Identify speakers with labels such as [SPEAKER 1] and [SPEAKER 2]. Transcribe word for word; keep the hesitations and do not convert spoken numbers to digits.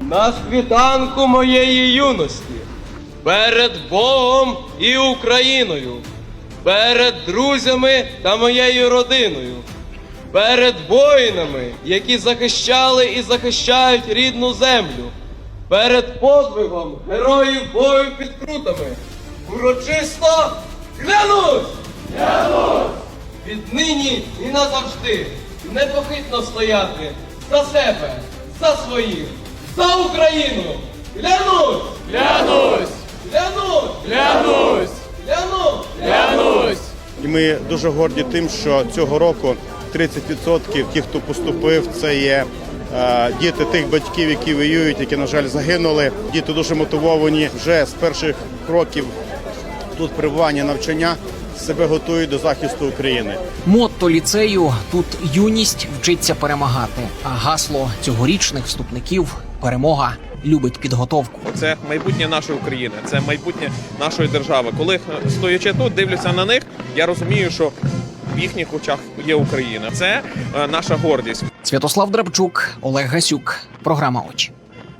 [SPEAKER 1] на світанку моєї юності, перед Богом і Україною, перед друзями та моєю родиною, перед воїнами, які захищали і захищають рідну землю, перед подвигом героїв бою під Крутами, урочисто клянусь! Клянусь! Віднині і назавжди непохитно стояти за себе, за своїх, за Україну! Клянусь!
[SPEAKER 2] Клянусь!
[SPEAKER 1] Клянусь!
[SPEAKER 2] Клянусь!
[SPEAKER 1] Клянусь!
[SPEAKER 2] Клянусь!
[SPEAKER 3] І ми дуже горді тим, що цього року тридцять відсотків тих, хто поступив, це є е, діти тих батьків, які воюють, які, на жаль, загинули. Діти дуже мотивовані вже з перших кроків тут перебування, навчання, себе готують до захисту України.
[SPEAKER 4] Мотто ліцею «Тут юність вчиться перемагати», а гасло цьогорічних вступників «Перемога любить підготовку».
[SPEAKER 2] Це майбутнє нашої України, це майбутнє нашої держави. Коли, стоячи тут, дивлюся на них, я розумію, що в їхніх очах є Україна. Це е, наша гордість.
[SPEAKER 4] Святослав Драбчук, Олег Гасюк. Програма «Очі».